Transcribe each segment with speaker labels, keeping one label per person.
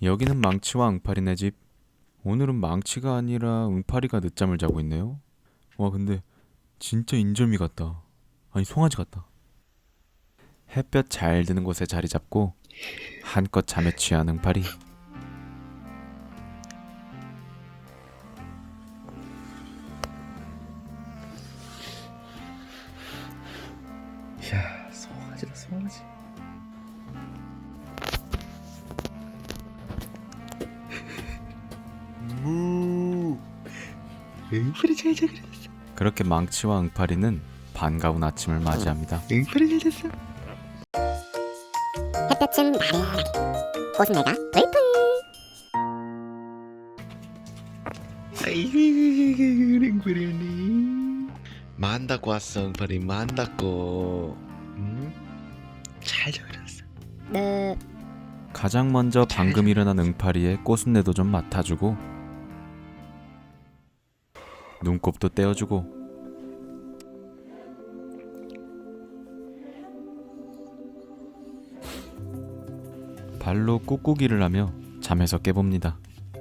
Speaker 1: 여기는 망치와 응파리네 집. 오늘은 망치가 아니라 응파리가 늦잠을 자고 있네요. 와, 근데 진짜 인절미 같다. 아니, 송아지 같다. 햇볕 잘 드는 곳에 자리 잡고 한껏 잠에 취한 응파리.
Speaker 2: 이야, 송아지다 송아지. 무. 응파리 잘 자. 그랬어.
Speaker 1: 그렇게 망치와 응파리는 반가운 아침을 맞이합니다.
Speaker 2: 응파리 잘 잤어.
Speaker 3: 햇볕은 나른하게 꽃은 내가 불풀.
Speaker 2: 아이고, 응파리 언니. 만다고 왔어, 응파리 만다고. 응? 잘 자. 그랬어.
Speaker 3: 네.
Speaker 1: 가장 먼저 방금 일어난 응파리의 꼬순내도 좀 맡아주고 눈곱도 떼어주고 발로 꾹꾹이를 하며 잠에서 깨봅니다.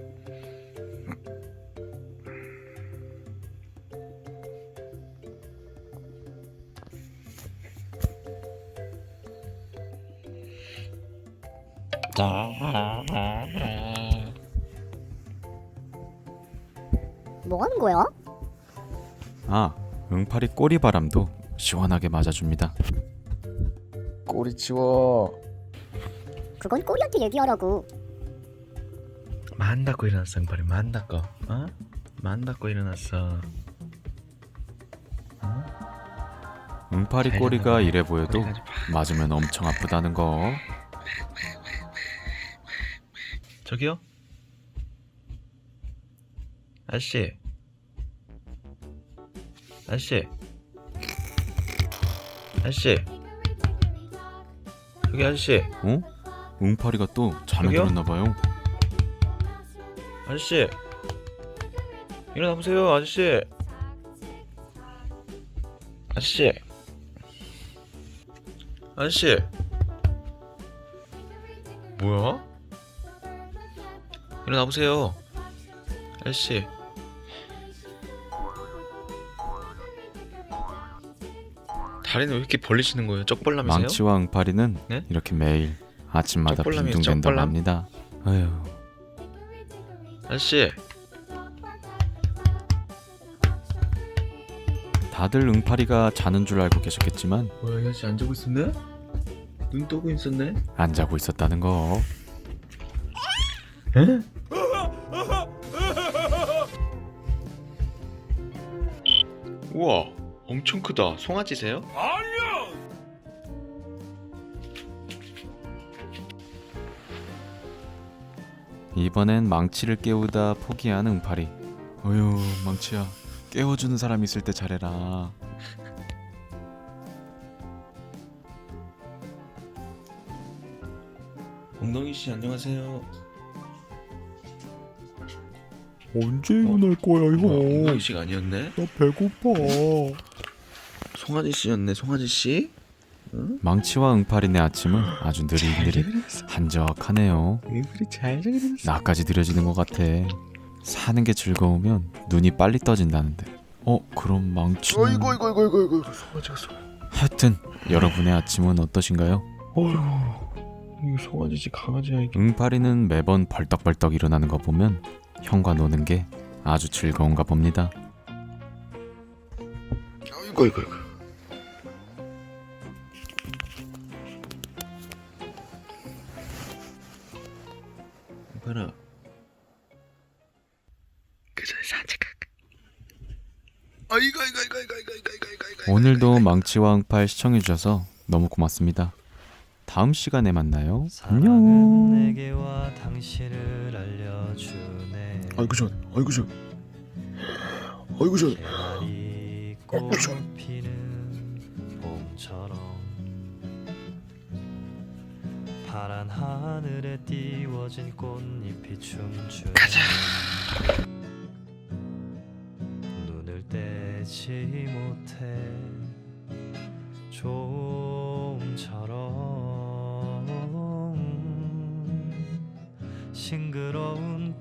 Speaker 3: 뭐 하는 거야?
Speaker 1: 아, 응파리 꼬리바람도 시원하게 맞아줍니다.
Speaker 2: 꼬리 치워.
Speaker 3: 그건 꼬리한테 얘기하라고.
Speaker 2: 만다고 일어났어, 응파리 만다고. 어? 만다고 일어났어.
Speaker 1: 응파리
Speaker 2: 잘
Speaker 1: 꼬리가
Speaker 2: 자라네.
Speaker 1: 이래 보여도
Speaker 2: 꼬리가 아주 팍.
Speaker 1: 맞으면 엄청 아프다는 거.
Speaker 2: 저기요? 아저씨. 아저씨. 아저씨. 저기 아저씨.
Speaker 1: 어? 응파리가 또 잠에
Speaker 2: 저기요?
Speaker 1: 들었나봐요.
Speaker 2: 아저씨. 일어나 보세요, 아저씨. 아저씨. 아저씨. 뭐야? 일어나 보세요. 아저씨. 다리는 왜 이렇게 벌리시는 거예요? 쪽벌람이세요?
Speaker 1: 망치와 응파리는
Speaker 2: 네?
Speaker 1: 이렇게 매일 아침마다
Speaker 2: 쪽벌람이에요,
Speaker 1: 빈둥댄다고
Speaker 2: 쪽벌람?
Speaker 1: 합니다. 아휴,
Speaker 2: 아저씨.
Speaker 1: 다들 응파리가 자는 줄 알고 계셨겠지만
Speaker 2: 뭐야, 이 아저씨 안 자고 있었네? 눈 뜨고 있었네?
Speaker 1: 안 자고 있었다는 거.
Speaker 2: 에? 우와, 엄청 크다. 송아지세요?
Speaker 1: 이번엔 망치를 깨우다 포기한 응파리. 어휴, 망치야, 깨워주는 사람 있을 때 잘해라.
Speaker 2: 엉덩이 씨 안녕하세요.
Speaker 4: 언제 일어날 거야,
Speaker 2: 엉덩이
Speaker 4: 형?
Speaker 2: 씨가 아니었네?
Speaker 4: 나 배고파.
Speaker 2: 송아지 씨였네, 송아지 씨.
Speaker 1: 망치와 응파리네 아침은 아주 느릿느릿 한적하네요.
Speaker 2: 얼굴이 잘 자그렸어.
Speaker 1: 나까지 느려지는 것 같아. 사는 게 즐거우면 눈이 빨리 떠진다는데. 그럼 망치는...
Speaker 2: 어이구, 송아지가
Speaker 1: 하여튼 여러분의 아침은 어떠신가요?
Speaker 2: 어휴, 이거 송아지 씨 강아지야 이게.
Speaker 1: 응파리는 매번 벌떡벌떡 일어나는 거 보면 형과 노는 게 아주 즐거운가 봅니다.
Speaker 2: 어이구. 봐라. 그 전에 산책할까? 아이고.
Speaker 1: 오늘도 망치와 응팔 시청해주셔서 너무 고맙습니다. 다음 시간에 만나요. 안녕.
Speaker 5: 사랑은 내게와 당신을 알려주네.
Speaker 2: 아이고 전.
Speaker 5: 개나리 꽃 피는 봄처럼 파란 하늘에 띄워진 꽃잎이 춤추네. 가자. 눈을 떼지 못해 좀처럼 싱그러운